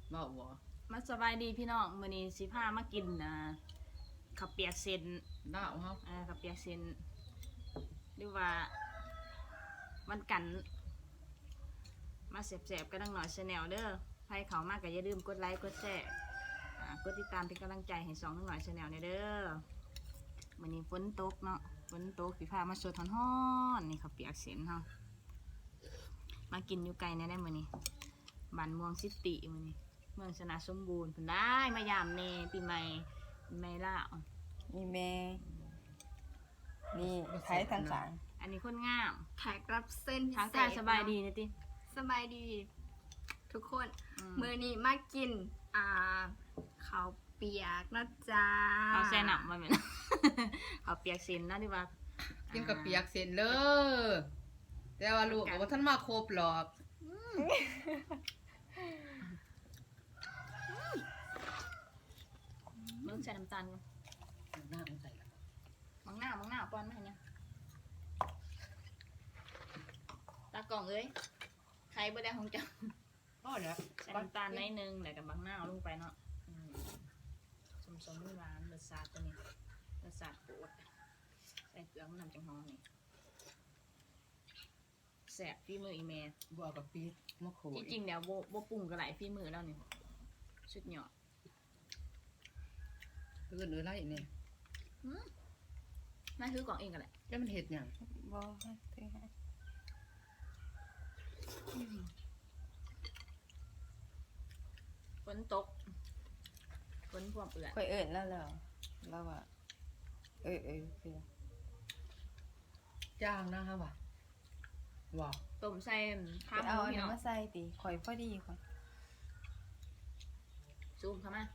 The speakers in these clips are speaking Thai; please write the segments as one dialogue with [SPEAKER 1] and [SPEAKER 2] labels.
[SPEAKER 1] บ่บ่
[SPEAKER 2] มาสบายดีพี่น้องมื้อนี้สิพามากินข้าวเปียกเส้น
[SPEAKER 1] ดาวเฮา
[SPEAKER 2] ข้าวเปียกเส้นหรือว่าวันกันมาแสบๆกันดังหน่อยChannelเด้อใครเข้ามาก็อย่าลืมกดไลค์กดแชร์กดติดตามเป็นกำลังใจให้2ดังหน่อยChannelเด้อมื้อนี้ฝนตกเนาะฝนตกสิพามาสดฮ้อนๆนี่ข้าวเปียกเส้นเฮามากินอยู่ไกลแน่ได้มื้อนี้บ้านม่วงซิตี้มื้อนี้เมืองชนะสมบูรณ์เพิ่นได้มายามเนปีใหม่ล่าว
[SPEAKER 3] มีแม่นี่ไทยทางขาง
[SPEAKER 2] อันนี้คนงาม
[SPEAKER 4] แขกรับเส้น
[SPEAKER 2] ทางการสบายดีนะติ
[SPEAKER 4] สบายดีทุกคนมื้อนี้มากินข้าวเปียกนะจ๊ะ
[SPEAKER 2] ข้าวแซ่หนับมาเหมือน ข้าวเปียกเส้นนะที่ว่า
[SPEAKER 1] กินกับเปียกเสร็จเลยแต่ว่าลูกบอกว่าท่านมาครบหรอก
[SPEAKER 2] มึงใส่น้ำตาลกัน
[SPEAKER 1] หน้ามันใส่ละ
[SPEAKER 2] มังหน้าป้อนมาให้เนี่ยตากล่องเอ้ยใครบ่ได้ของจัง
[SPEAKER 1] พ่อเนี่ย
[SPEAKER 2] ใส่น้ำตาลนิดนึงแล้วกับบางหน้าลงไปเนาะสมหวานรสชาติตัวนี้รสชาติโคตรใส่เกลือมันนำจังหอมนี่แสบฝีมืออีเมย์
[SPEAKER 1] บัวกับปี๊ดมะขูด
[SPEAKER 2] ที่จริงเดี๋ยวโบปรุงกับหลายฝีมือแล้วนี่ชุดหยอด
[SPEAKER 1] เอื่นไรเนี่ย
[SPEAKER 2] น่าคือกล่องเองกันแหละ
[SPEAKER 1] แล้วมันเห็ดอย่าง
[SPEAKER 3] บ่ให้ถือให้
[SPEAKER 2] ฝนตกฝนพวกเอื่อน
[SPEAKER 3] ค่อยเอิ้นแล้วว่าคือ
[SPEAKER 1] จ้างนะครับว่ะว้าว
[SPEAKER 2] ต้มใส่ข้าวห
[SPEAKER 3] เอา
[SPEAKER 2] มู
[SPEAKER 3] อัน
[SPEAKER 2] พี่
[SPEAKER 3] นี้
[SPEAKER 2] น้อง
[SPEAKER 3] มาใส่ติข่อยพอดีข่อย
[SPEAKER 2] ซูมเข้ามา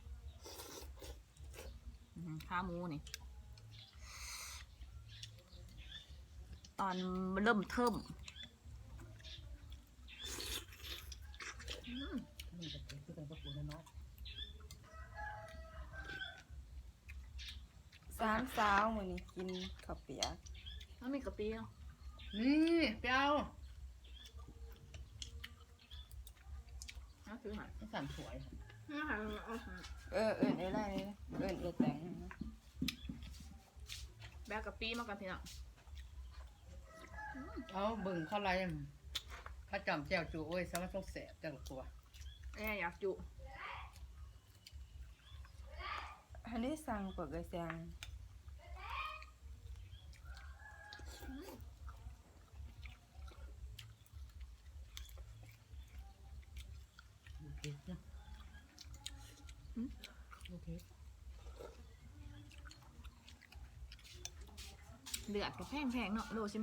[SPEAKER 2] ข้าวหมูนี่ตอนเริ่มเทิม
[SPEAKER 1] นี่จะเป็นคือเป็นกระปุกน้อย
[SPEAKER 3] 3สาวมื้อนี้กินข้าวเปียก
[SPEAKER 2] แล้วมีกะปิเนาะ
[SPEAKER 1] นี่เปรี้ยว
[SPEAKER 2] น่าซื้อหา
[SPEAKER 1] สั่นสวย
[SPEAKER 3] เอิ้นอะไรนี่เอิ้นแต่ง
[SPEAKER 2] แบกกะปิมากันพี่น้อง
[SPEAKER 1] เอาเบิ่งเข้าไรข้าจำแจวจูโอ้ยสามารถต้องแสบจังกว่า
[SPEAKER 2] อยากจุ
[SPEAKER 3] อันนี้สั่งกว่าก็สั่ง
[SPEAKER 1] โอเคนะโอเค
[SPEAKER 2] เดือดกับแพงเนาะโล15,000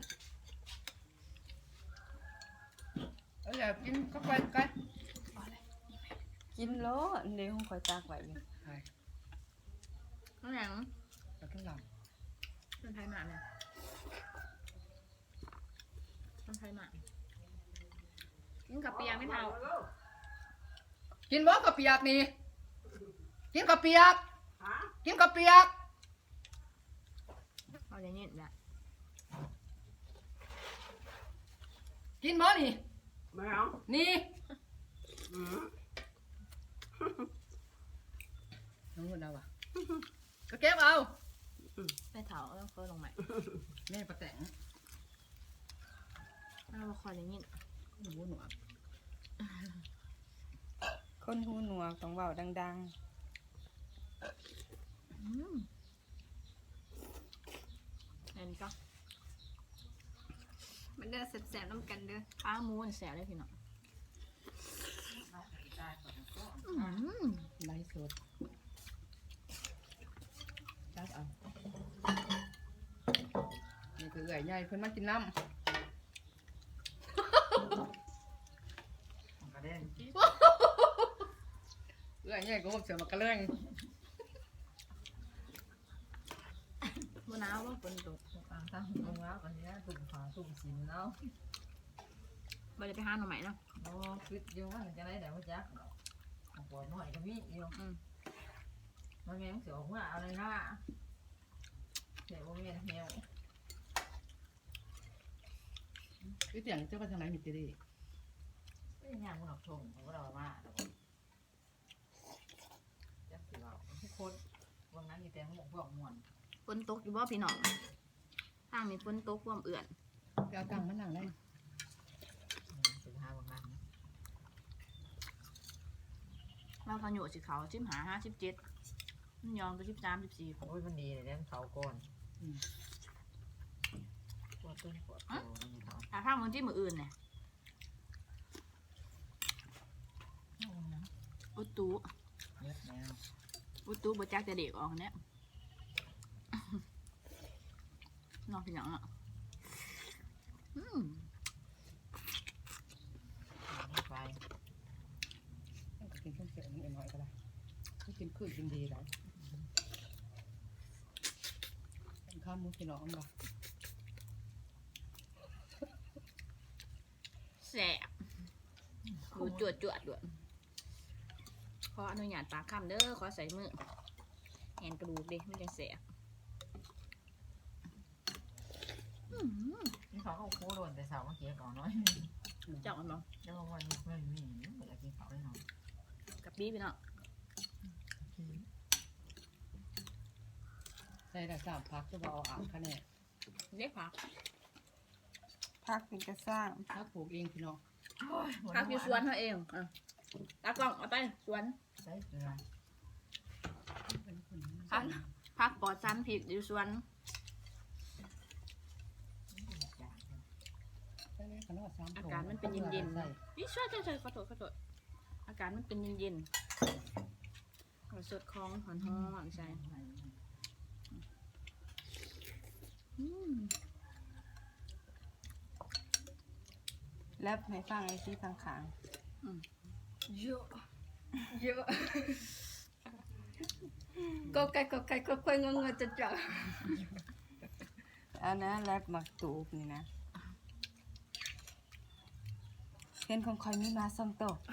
[SPEAKER 1] อยากกินก็ไปกัน
[SPEAKER 3] กินโลเดี๋ยวข่อยตากไว้อยู่
[SPEAKER 1] ใช่
[SPEAKER 2] น้องหยัง
[SPEAKER 1] แล้วก็หลัง
[SPEAKER 2] เป็นไทยหมาเนี่ยเป็นไทยหมากินกับเปียกไม่เท่า
[SPEAKER 1] กินบ่กับเปียกนี่กินกับเปียกกินกับเปียก
[SPEAKER 2] เอาอย่างนี้แหละ
[SPEAKER 1] กินบ่นี่
[SPEAKER 4] ไม่เอา
[SPEAKER 1] นี่น้องคนเอาอ่ะก็เก็บเอา
[SPEAKER 2] ไม่เท่าต้องเฟิร์ลงใหม่
[SPEAKER 1] แม่ประแตง
[SPEAKER 2] เอาคอยอย่างนี้
[SPEAKER 1] หูหนวก
[SPEAKER 3] คนหูหนวกต้องเว้าดัง
[SPEAKER 2] อันนี้ก็
[SPEAKER 4] มันเด้อแสบๆน้ำกันเด้อ
[SPEAKER 2] ข้าวหมูแสบได้พี่น้อง
[SPEAKER 1] ไล่สดจัดเอานี่คือเอื่อยใหญ่เพิ่นมากินน้ำกระเด้งเอื่อยใหญ่ก็ผมเสือมากระเด้ง
[SPEAKER 2] มะนาวว่าฝนตก
[SPEAKER 1] ทางลงแล้วอันนี้ตุ่มฝาตุ่มสินแล้ว
[SPEAKER 2] เราจะไปหาหน่อไม้เนาะ
[SPEAKER 1] โอ้คิดอยู่ว่าจะได้แต่ว่าจักปวดหน่อยก็มีอยู่มันแม่งเสียวหัวอะไรนะเสียวเมียนเหี่ยวคือเสียงเจ้าก็ทางไหนมีตีดีไม่ยากมันหนักทงของเรามาก
[SPEAKER 2] นตกอยู่บ่พี่น้องทางนี้ฝนตกความเอื่อน
[SPEAKER 3] ไปเอาตังค์มานั่งได้
[SPEAKER 1] 15บาง
[SPEAKER 2] เราขยุสิเขา15 57มันยองก็13 14
[SPEAKER 1] โอ้ยมันดีเลยเด้เขาก่อนปวดต้นปวดโตนี่เขา
[SPEAKER 2] ถ้าทางมึงที่มืออื่นเนี่ยอุตุ
[SPEAKER 1] เยอะแล้ว
[SPEAKER 2] อุตุบ่จักจะเด็กออกเนี่ยนอกพี่น้องอ่ะอืม
[SPEAKER 1] ไป
[SPEAKER 3] กินข้าวเสียงนิดหน่อยก็ได้ไม่กินคืนกินดีแล้วเป็นข้าวมุกพี่น้องบ่
[SPEAKER 2] แสบดูจวดด้วยขออนุญาตปากคำเด้อขอใส่มือแอนกระดูกดิไม่ได้แสบ
[SPEAKER 1] นี่เขาโค้โดนแต่สาวเมื่อกี้ก่อนน้อย
[SPEAKER 2] เจ้ามันบอก
[SPEAKER 1] แล้วก็วันไม่มีไม่อยากกินเขาเลยเนาะ
[SPEAKER 2] กับบี้พี่น้อง
[SPEAKER 3] ใส่แต่3 พักจะบ่เอาอ่านคะแนน
[SPEAKER 2] เรียกผัก
[SPEAKER 3] พักเป็นกระสร้างพักปลูกเองพี่น้อง
[SPEAKER 2] ผักอยู่สวนเขาเองอ่ะตากล้องเอาไปสวน
[SPEAKER 1] ใส่เกลือ
[SPEAKER 2] ผักปลอดสารพิษอยู่สวน อากาศมันเป็นเย็นๆนี่ช่วยขอโทษอากาศมันเป็นเย็นๆเราสดคล้องหอนๆใช่
[SPEAKER 3] แล้วให้ฟังไอ้ที่ข้าง
[SPEAKER 4] เยอะเยอะก็ไก่งงจะจับ
[SPEAKER 3] ๆอันนั้นแรปหมักตูบนี่นะเห็นของคอยมีมาส่งโตะ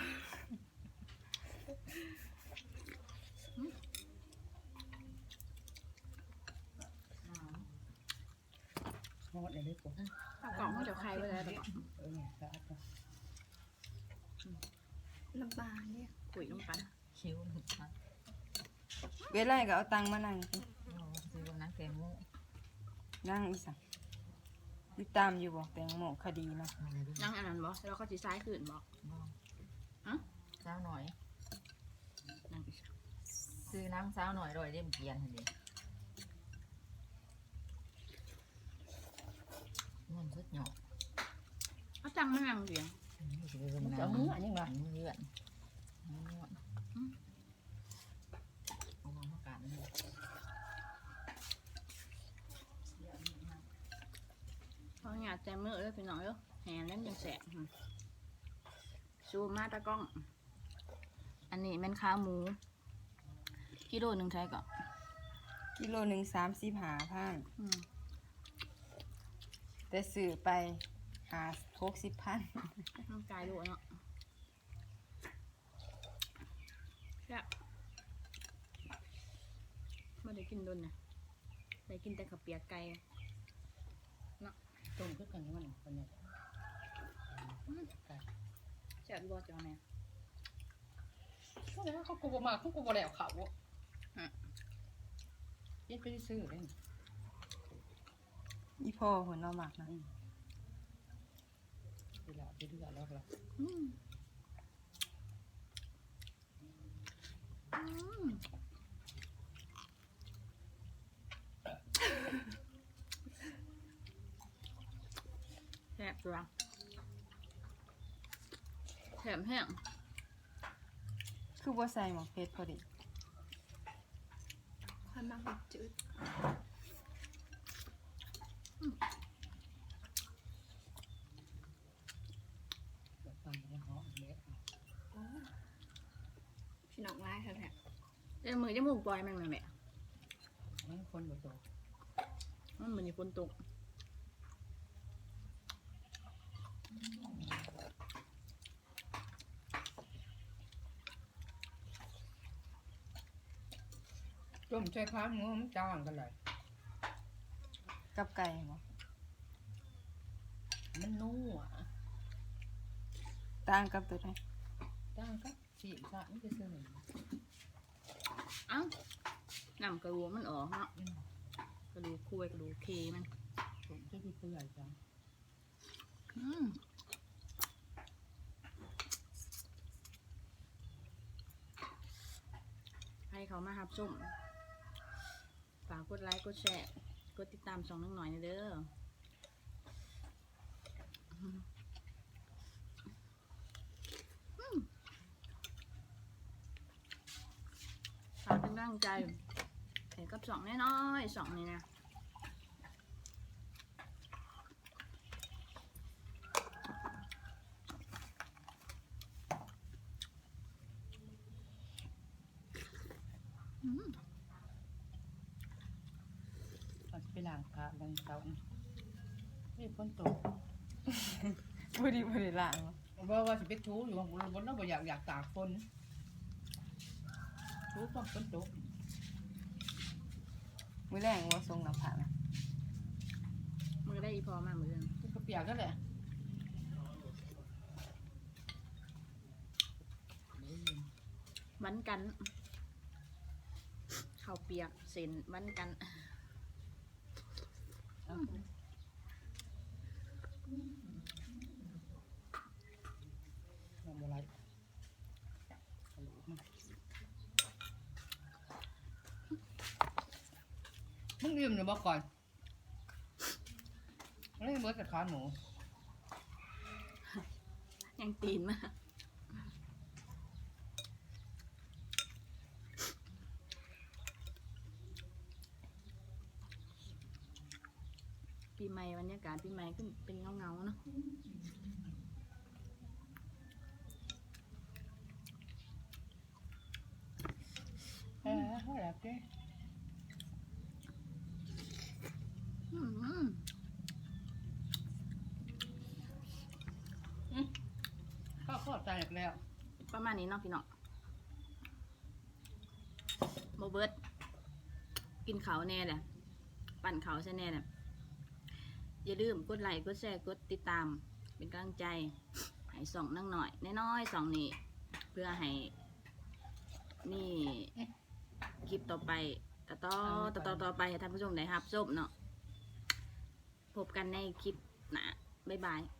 [SPEAKER 3] ทอดเลยปุ๊บ
[SPEAKER 2] ตากล่องเขาจะใครไว้แล้วตากล่อง
[SPEAKER 3] สะอาดนะ
[SPEAKER 4] น้ำปลาเนี่ย
[SPEAKER 2] ปุ๋ยลงไป
[SPEAKER 1] คิ้วหนุกมาก
[SPEAKER 3] เวลาก็เอาตังค์มานั่งสิ
[SPEAKER 1] ซื้อวันนั้นแกงโม่
[SPEAKER 3] นั่งอีสังติดตามอยู่บอกแตงโมคดีนะ
[SPEAKER 2] นั่งอันนั้นบอกแล้วเขาจีซ้ายขึ้นบอก
[SPEAKER 1] เช้าหน่อย
[SPEAKER 2] นั่งอีก
[SPEAKER 1] ซื้อน้ำเช้าหน่อยโดยเล่มเกียนเห็นดิมันสุดหยอก
[SPEAKER 2] เอาจังมานั่งเดียว
[SPEAKER 1] จะมืออันยังไงมือเลื่อนเอามาประกาศนี่
[SPEAKER 2] เพราะอยากใจมือเลยพี่น้องเด้อแหนเล่นยังแสบซูมมาตากล้อง อันนี้เป็นขาหมูกิโลหนึ่งใช่ก่อน
[SPEAKER 3] กิโลหนึ่ง35,000
[SPEAKER 2] อืม
[SPEAKER 3] แต่ซื้อไป60,000
[SPEAKER 2] ร่างกายดูเนาะแซ่บไม่ได้กินโดนนะได้กินแต่ข้าวเปียกไก่
[SPEAKER 3] ต้มขึ้นกันวันคนนี้
[SPEAKER 2] แซ่บบ่จ้าแม่
[SPEAKER 3] เขากูบ่มาเขากูบ่แล้วเขายิ่งไปซื้อเลยอีพ่อหัวเราหมักนะเวลาไปเดือดแล้วล่ะ
[SPEAKER 2] แซ่บจ้าแถมแห้ง
[SPEAKER 3] คือบ่ใส่หมกเพชรพอดี
[SPEAKER 4] ความมากจืด
[SPEAKER 3] ฟังแล้วเหาะเละ
[SPEAKER 4] พี่น้องร้ายแท้
[SPEAKER 2] เดี๋ยวมือจะมูกปล่อยมันแม่
[SPEAKER 3] นั่นคนบ่โต
[SPEAKER 2] มันเหมือนมีฝนตก
[SPEAKER 3] ต้มใช้ข้าวหมูมันจ้างกันเลยกับไก่เหรอมันนัวต่างกับตัวไหนต่างกับสีสันมันจะซื้อหนึ่ง
[SPEAKER 2] เอ้าน้ำกระดูมันออกเนาะกระดูกคุยกระดูกเคมัน
[SPEAKER 3] ผมจะดูตัวใหญ่จัง
[SPEAKER 2] ให้เขามาหับส้มฝากกดไลค์กดแชร์กดติดตามช่องน้องหน่อยนะเด้อฝากเป็นกำลังใจให้กับสองน้อยๆสองนี่นะ
[SPEAKER 3] เราจะไปล้างผ้ากันเสาร์นี่ฝนตก
[SPEAKER 1] พอดีล่าง
[SPEAKER 3] ว่าจะไปทูอยู่บนนั้นบ่อยากตากฝนทูต้องฝนตก
[SPEAKER 1] มือแรงว่าทรงน้ำผ่านะ
[SPEAKER 2] มือได้อีพอมามือนึง
[SPEAKER 3] ก็เปียกก็แหละ
[SPEAKER 2] วันกันข้าวเปียกเส้นวันกัน
[SPEAKER 3] ทำอะไรมึงลืมหรือบอกก่อนไม่ได้เบิร์ดกับขาหนู
[SPEAKER 2] ยังตีนมาปีใหม่บรรยากาศปีใหม่ก็เป็นเงาๆเนาะ
[SPEAKER 3] เขาแหลกเด้
[SPEAKER 2] อืม
[SPEAKER 3] ข้าวใจแล้ว
[SPEAKER 2] ประมาณนี้เนาะพี่น้องโมเบิร์ตกินเขาวแน่แหละปั่นเขาวใช่แน่แหละอย่าลืมกดไลค์กดแชร์กดติดตามเป็นกำลังใจให้ส่องนั่งหน่อยน้อยๆส่องนี่เพื่อให้นี่คลิปต่อไปต่อไปให้ท่านผู้ชมได้รับชมเนาะพบกันในคลิปหน้าบ๊ายบาย